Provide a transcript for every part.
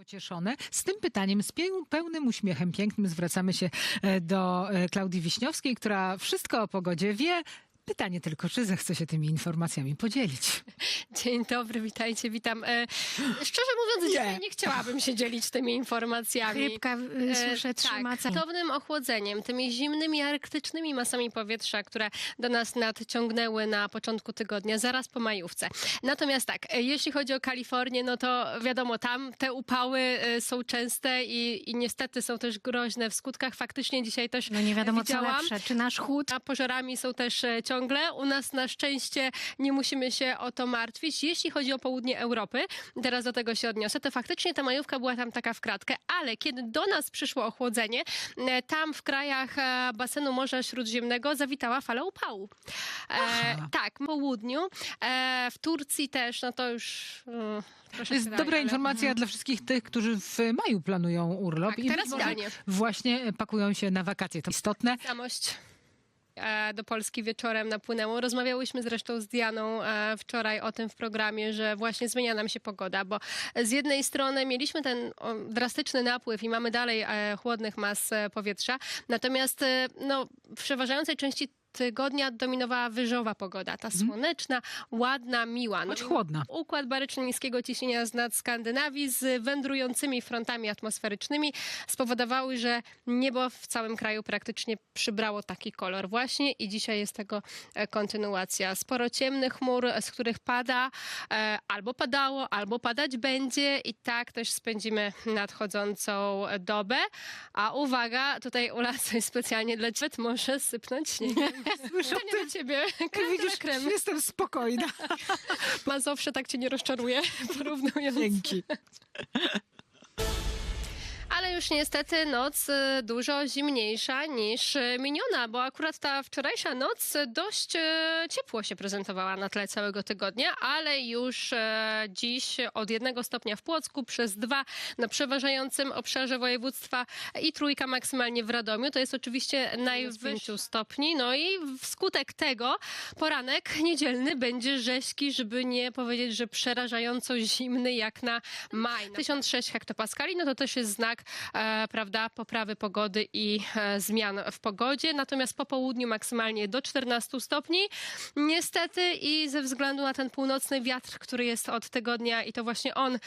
Pocieszone. Z tym pytaniem, z pełnym uśmiechem pięknym zwracamy się do Klaudii Wiśniowskiej, która wszystko o pogodzie wie. Pytanie tylko, czy zechce się tymi informacjami podzielić. Dzień dobry, witajcie, witam. Szczerze mówiąc, dzisiaj nie chciałabym się dzielić tymi informacjami. Chrypka, słyszę, trzyma. Tak, gwałtownym ochłodzeniem, tymi zimnymi, arktycznymi masami powietrza, które do nas nadciągnęły na początku tygodnia, zaraz po majówce. Natomiast tak, jeśli chodzi o Kalifornię, no to wiadomo, tam te upały są częste i niestety są też groźne w skutkach. Faktycznie dzisiaj też No nie wiadomo widziałam, co lepsze, czy nasz chłód. a pożarami są też ciągle. U nas na szczęście nie musimy się o to martwić. Jeśli chodzi o południe Europy, teraz do tego się odniosę, to faktycznie ta majówka była tam taka w kratkę, ale kiedy do nas przyszło ochłodzenie, tam w krajach basenu Morza Śródziemnego zawitała fala upału. Tak, w południu. W Turcji też, no to już... To jest dobra informacja dla wszystkich tych, którzy w maju planują urlop Tak, i teraz być może idealnie. właśnie pakują się na wakacje. To istotne. Samość do Polski wieczorem napłynęło. Rozmawiałyśmy zresztą z Dianą wczoraj o tym w programie, że właśnie zmienia nam się pogoda, bo z jednej strony mieliśmy ten drastyczny napływ i mamy dalej chłodnych mas powietrza, natomiast no, w przeważającej części tygodnia dominowała wyżowa pogoda, ta słoneczna, ładna, miła. Choć chłodna. Układ baryczny niskiego ciśnienia z nad Skandynawii z wędrującymi frontami atmosferycznymi spowodowały, że niebo w całym kraju praktycznie przybrało taki kolor właśnie i dzisiaj jest tego kontynuacja. Sporo ciemnych chmur, z których pada, albo padało, albo padać będzie i tak też spędzimy nadchodzącą dobę. A uwaga, tutaj Ula coś specjalnie dla ciebie może sypnąć śniegiem. Słyszę To nie dla ciebie. Widzisz, Krem. jestem spokojna. Mazowsze tak cię nie rozczaruje, porównując. Dzięki. Ale już niestety noc dużo zimniejsza niż miniona, bo akurat ta wczorajsza noc dość ciepło się prezentowała na tle całego tygodnia, ale już dziś od 1 stopnia w Płocku przez 2 na przeważającym obszarze województwa i 3 maksymalnie w Radomiu. To jest oczywiście najwyższy stopni. No i wskutek tego poranek niedzielny będzie rzeźki, żeby nie powiedzieć, że przerażająco zimny jak na maj. 1006 hektopaskali, no to też jest znak prawda, poprawy pogody i zmian w pogodzie. Natomiast po południu maksymalnie do 14 stopni. Niestety i ze względu na ten północny wiatr, który jest od tygodnia i to właśnie on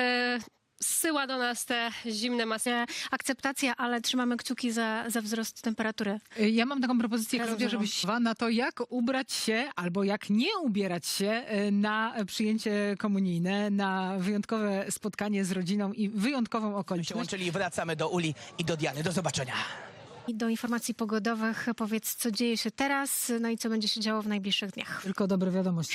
zsyła do nas te zimne masy. Akceptacja, ale trzymamy kciuki za wzrost temperatury. Ja mam taką propozycję, Razem Klaudia, ze mną. żebyś na to, jak ubrać się albo jak nie ubierać się na przyjęcie komunijne, na wyjątkowe spotkanie z rodziną i wyjątkową okoliczność. Przyłączyli i wracamy do Uli i do Diany. Do zobaczenia. I do informacji pogodowych powiedz, co dzieje się teraz, no i co będzie się działo w najbliższych dniach. Tylko dobre wiadomości.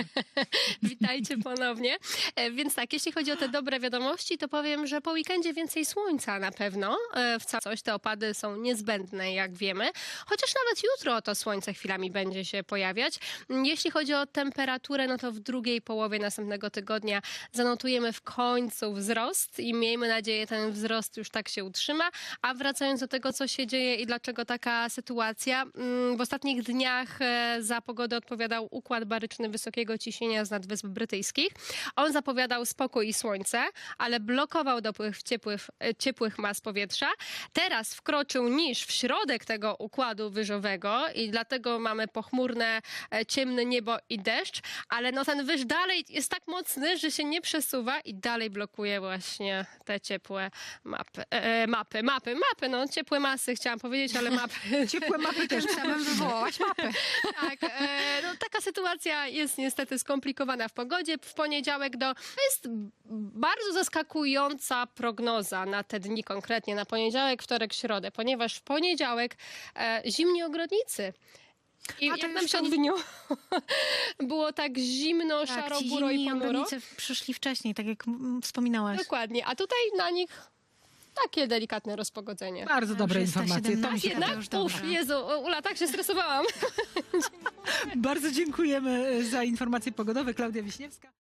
Witajcie ponownie. Więc tak, jeśli chodzi o te dobre wiadomości, to powiem, że po weekendzie więcej słońca na pewno. W całość te opady są niezbędne, jak wiemy. Chociaż nawet jutro to słońce chwilami będzie się pojawiać. Jeśli chodzi o temperaturę, no to w drugiej połowie następnego tygodnia zanotujemy w końcu wzrost i miejmy nadzieję, ten wzrost już tak się utrzyma. A wracając do tego, co się dzieje i dlaczego taka sytuacja, w ostatnich dniach za pogodę odpowiadał układ baryczny wysokiego ciśnienia z nad Wysp Brytyjskich. On zapowiadał spokój i słońce, ale blokował dopływ ciepłych mas powietrza. Teraz wkroczył niż w środek tego układu wyżowego i dlatego mamy pochmurne, ciemne niebo i deszcz, ale no ten wyż dalej jest tak mocny, że się nie przesuwa i dalej blokuje właśnie te ciepłe mapy, no ciepłe masy chciałam powiedzieć, ale mapy. Ciepłe mapy też chciałabym wywołać. Mapy. Tak, no taka sytuacja jest niestety skomplikowana w pogodzie. W poniedziałek jest bardzo zaskakująca prognoza na te dni, konkretnie na poniedziałek, wtorek, środę, ponieważ w poniedziałek zimni ogrodnicy. I A to jak już nam się to nie- w dniu było tak zimno, szaro, ci buro i zimni ponuro. ogrodnicy przyszli wcześniej, tak jak wspominałaś. Dokładnie, a tutaj na nich takie delikatne rozpogodzenie. Bardzo dobre Już jest ta informacje. To mi się 17. podoba. Jednak, już dobrze. Jezu, Ula, tak się stresowałam. Bardzo dziękujemy za informacje pogodowe. Klaudia Wiśniewska.